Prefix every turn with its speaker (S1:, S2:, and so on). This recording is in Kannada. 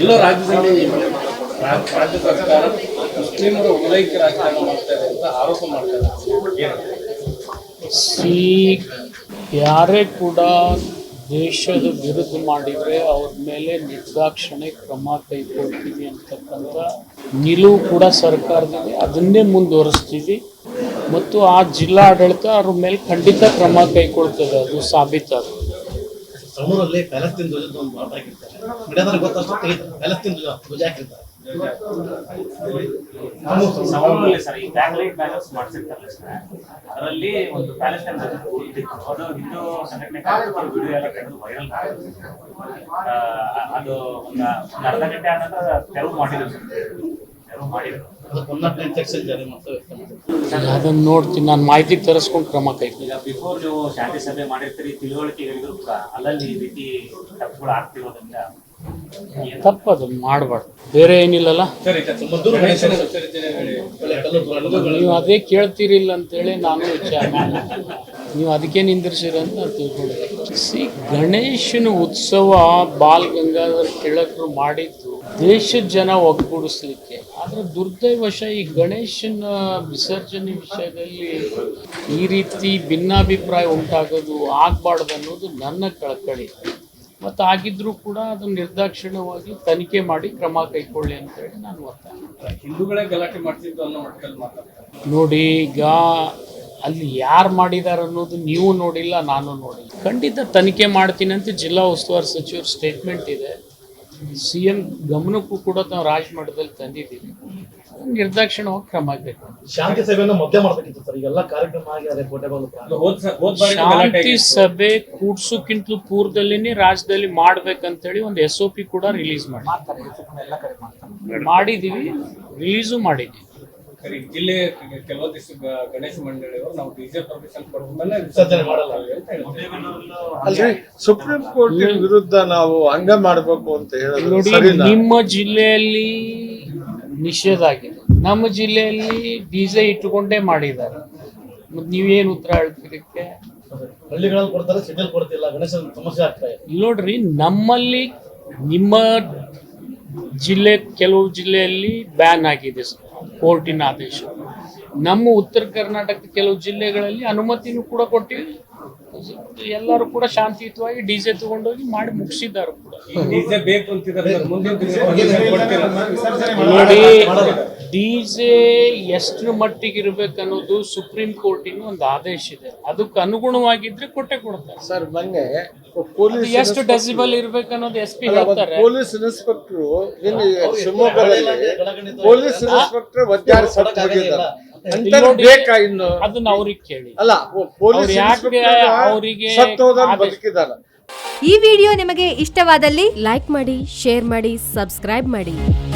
S1: ಎಲ್ಲೋ ರಾಜ್ಯದಲ್ಲಿ ರಾಜ್ಯ ಸರ್ಕಾರ ಮುಸ್ಲಿಮರ ಓಲೈಕೆ ರಾಜಕಾರಣ ಮಾಡ್ತಾರೆ ಅಂತ ಆರೋಪ ಮಾಡ್ತಾರೆ.
S2: ಯಾರೇ ಕೂಡ ದೇಶದ ವಿರುದ್ಧ ಮಾಡಿದರೆ ಅವ್ರ ಮೇಲೆ ನಿರ್ದಾಕ್ಷಿಣ್ಯ ಕ್ರಮ ಕೈಗೊಳ್ತೀವಿ ಅಂತಕ್ಕಂಥ ನಿಲುವು ಕೂಡ ಸರ್ಕಾರದಿದೆ. ಅದನ್ನೇ ಮುಂದುವರಿಸ್ತೀವಿ ಮತ್ತು ಆ ಜಿಲ್ಲಾ ಆಡಳಿತ ಅವ್ರ ಮೇಲೆ ಖಂಡಿತ ಕ್ರಮ ಕೈಗೊಳ್ತದೆ. ಅದು ಸಾಬೀತಾಗುತ್ತೆ.
S3: ಸಣ್ಣೂರಲ್ಲಿ ಪ್ಯಾಲೆಸ್ತೀನ್ ಧ್ವಜದ ಒಂದು ಬಾಟ ಹಾಕಿರ್ತಾರೆ. ಮಿಡಿಯಾದಲ್ಲಿ ಗೊತ್ತಷ್ಟು ತೆಗಿತಾರೆ. ಪ್ಯಾಲೆಸ್ತೀನ್ ಧ್ವಜ ಹಾಕಿರ್ತಾರೆ.
S4: ಸರ್ ಈ ಬ್ಯಾಕ್ಲೈಟ್ ಬ್ಯಾನರ್ಸ್ ಮಾಡಿಸಿರ್ತಾರಲ್ಲ ಸರ್, ಅದರಲ್ಲಿ ಒಂದು ಪ್ಯಾಲೆಸ್ಟೈನ್ ಇದ್ದಿತ್ತು. ಅದು ಹಿಂದೂ ಸಂಘಟನೆ ವಿಡಿಯೋ ಎಲ್ಲ ತೆಗೆದು ವೈರಲ್ ಅದು ಒಂದು ಅರ್ಧ ಗಂಟೆ ಆದ ನಂತರ ತೆರವು ಮಾಡಿದ್ರು ಸರ್. ತೆರವು ಮಾಡಿದ್ರು.
S2: ಅದನ್ನ ನೋಡ್ತೀನಿ, ನಾನು ಮಾಹಿತಿ ತರಿಸ್ಕೊಂಡು ಕ್ರಮ ಕೈಗೊಳ್ಳಿ.
S4: ಈಗ ಬಿಫೋರ್ ನೀವು ಶಾಂತಿ ಸಭೆ ಮಾಡಿರ್ತೀರಿ, ತಿಳುವಳಿಕೆಗಳಿದ್ರು ಕೂಡ ಅಲ್ಲಲ್ಲಿ ಈ ರೀತಿ ತಪ್ಪುಗಳು ಆಗ್ತಿರೋದ್ರಿಂದ
S2: ತಪ್ಪದು ಮಾಡಬಾರ್ದು. ಬೇರೆ ಏನಿಲ್ಲಲ್ಲ, ನೀವು ಅದೇ ಕೇಳ್ತೀರಿಲ್ಲ ಅಂತೇಳಿ ನಾನು ವಿಚಾರ ನೀವು ಅದಕ್ಕೆ ನಿಂದಿರ್ಸಿರ ಅಂತ ನಾನು ತಿಳ್ಕೊಂಡಿದ್ದೆ. ಗಣೇಶನ ಉತ್ಸವ ಬಾಲ್ ಗಂಗಾಧರ್ ತಿಲಕರು ಮಾಡಿದ್ದು ದೇಶದ ಜನ ಒಗ್ಗೂಡಿಸ್ಲಿಕ್ಕೆ. ಆದರೆ ದುರ್ದೈವಶ ಈ ಗಣೇಶನ ವಿಸರ್ಜನೆ ವಿಷಯದಲ್ಲಿ ಈ ರೀತಿ ಭಿನ್ನಾಭಿಪ್ರಾಯ ಉಂಟಾಗೋದು ಆಗಬಾರ್ದು ಅನ್ನೋದು ನನ್ನ ಕಳಕಳಿ. ಮತ್ತು ಆಗಿದ್ರೂ ಕೂಡ ಅದನ್ನು ನಿರ್ದಾಕ್ಷಿಣ್ಯವಾಗಿ ತನಿಖೆ ಮಾಡಿ ಕ್ರಮ ಕೈಗೊಳ್ಳಿ ಅಂತೇಳಿ ನಾನು ಒತ್ತಾಯ.
S1: ಹಿಂದೂಗಳೇ ಗಲಾಟೆ ಮಾಡ್ತಿದ್ದು ಅನ್ನೋ ಮಟ್ಟದಲ್ಲಿ ಮಾತಾಡ್ತಾರೆ.
S2: ನೋಡಿ, ಈಗ ಅಲ್ಲಿ ಯಾರು ಮಾಡಿದ್ದಾರೆ ಅನ್ನೋದು ನೀವು ನೋಡಿಲ್ಲ, ನಾನು ನೋಡಿಲ್ಲ. ಖಂಡಿತ ತನಿಖೆ ಮಾಡ್ತೀನಿ ಅಂತ ಜಿಲ್ಲಾ ಉಸ್ತುವಾರಿ ಸಚಿವರು ಸ್ಟೇಟ್ಮೆಂಟ್ ಇದೆ. CM ಗಮನಕ್ಕೂ ಕೂಡ ನಾವು ರಾಜಮಠದಲ್ಲಿ ತಂದಿದ್ದೀವಿ. ನಿರ್ದಾಕ್ಷಿಣ್ಯವಾಗಿ ಕ್ರಮ ಬೇಕು.
S3: ಶಾಂತಿ ಸಭೆಯನ್ನು ಮಧ್ಯ ಮಾಡಬೇಕಿತ್ತು ಸರ್. ಈಗೆಲ್ಲ ಕಾರ್ಯಕ್ರಮ ಆಗಿ
S2: ಶಾಂತಿ ಸಭೆ ಕೂಡ್ಸೋಕ್ಕಿಂತಲೂ ಪೂರ್ವದಲ್ಲಿನೇ ರಾಜ್ಯದಲ್ಲಿ ಮಾಡ್ಬೇಕಂತೇಳಿ ಒಂದು SOP ಕೂಡ ರಿಲೀಸ್ ಮಾಡಿದ್ದೀವಿ, ರಿಲೀಸು ಮಾಡಿದ್ದೀವಿ.
S1: ಜಿಲ್ಲೆ ಕೆಲವೊಂದಿಷ್ಟು ಗಣೇಶ ಮಂಡಳಿಯವರು ನಾವು DJ ಪರ್ಮಿಷನ್ ಕೊಡ್ಕೊಂಡೇ ವಿಸರ್ಜನೆ ಮಾಡಲ್ಲ ಅಂತ ಹೇಳ್ತಾರೆ.
S5: ಅಲ್ರಿ, ಸುಪ್ರೀಂ ಕೋರ್ಟ್ ವಿರುದ್ಧ ನಾವು ಹಂಗ ಮಾಡ್ಬೇಕು ಅಂತ
S2: ನೋಡಿ, ನಿಮ್ಮ ಜಿಲ್ಲೆಯಲ್ಲಿ ನಿಷೇಧ ಆಗಿದೆ, ನಮ್ಮ ಜಿಲ್ಲೆಯಲ್ಲಿ DJ ಇಟ್ಟುಕೊಂಡೇ ಮಾಡಿದ್ದಾರೆ. ಮತ್ತೆ ನೀವೇನು ಉತ್ತರ ಹೇಳ್ತಿರಕ್ಕೆ?
S3: ಹಳ್ಳಿಗಳಲ್ಲಿ ಕೊಡ್ತಾರೆ, ಸಿಟಿಯಲ್ಲಿ ಕೊಡ್ತಿಲ್ಲ. ಗಣೇಶನ ಸಮಸ್ಯೆ ಆಗ್ತಾ ಇದೆ.
S2: ನೋಡ್ರಿ, ನಮ್ಮಲ್ಲಿ ನಿಮ್ಮ ಜಿಲ್ಲೆ ಕೆಲವು ಜಿಲ್ಲೆಯಲ್ಲಿ ಬ್ಯಾನ್ ಆಗಿದೆ ಕೋರ್ಟಿನ ಆದೇಶ. ನಮ್ಮ ಉತ್ತರ ಕರ್ನಾಟಕದ ಕೆಲವು ಜಿಲ್ಲೆಗಳಲ್ಲಿ ಅನುಮತಿನೂ ಕೂಡ ಕೊಟ್ಟಿವಿ. ಎಲ್ಲರೂ ಕೂಡ ಶಾಂತಿಯುತವಾಗಿ DJ ತಗೊಂಡೋಗಿ ಮಾಡಿ ಮುಗಿಸಿದ್ದಾರೆ ಕೂಡ.
S1: DJ ಬೇಕು ಅಂತಿದ್ದಾರೆ.
S2: ನೋಡಿ, DJ ಎಷ್ಟು ಮಟ್ಟಿಗೆ ಇರ್ಬೇಕನ್ನೋದು ಸುಪ್ರೀಂ ಕೋರ್ಟಿನ ಒಂದು ಆದೇಶ ಇದೆ. ಅದಕ್ಕೆ ಅನುಗುಣವಾಗಿದ್ರೆ ಕೊಟ್ಟೆ ಕೊಡ್ತಾರೆ
S5: ಸರ್. ಮೊನ್ನೆ ಪೊಲೀಸ್
S2: ಎಷ್ಟು ಡೆಸಿಬಲ್ ಇರ್ಬೇಕನ್ನೋದು SP ಹೇಳ್ತಾರೆ.
S5: ಪೊಲೀಸ್ ಇನ್ಸ್ಪೆಕ್ಟರ್ ಶಿವಮೊಗ್ಗದಲ್ಲಿ ಪೊಲೀಸ್ ಇನ್ಸ್ಪೆಕ್ಟರ್ ವಜ್ಜಾರಿ ಸತ್ತು ಹೋಗಿದ್ದಾರೆ. ಇನ್ನು
S2: ಅದನ್ನ ಅವ್ರಿಗೆ ಕೇಳಿ.
S5: ಅಲ್ಲ, ಪೊಲೀಸ್
S2: ಅವರಿಗೆ
S5: ಬದುಕಿದ್ದಾರೆ.
S6: ಈ ವಿಡಿಯೋ ನಿಮಗೆ ಇಷ್ಟವಾದಲ್ಲಿ ಲೈಕ್ ಮಾಡಿ, ಶೇರ್ ಮಾಡಿ, ಸಬ್ಸ್ಕ್ರೈಬ್ ಮಾಡಿ.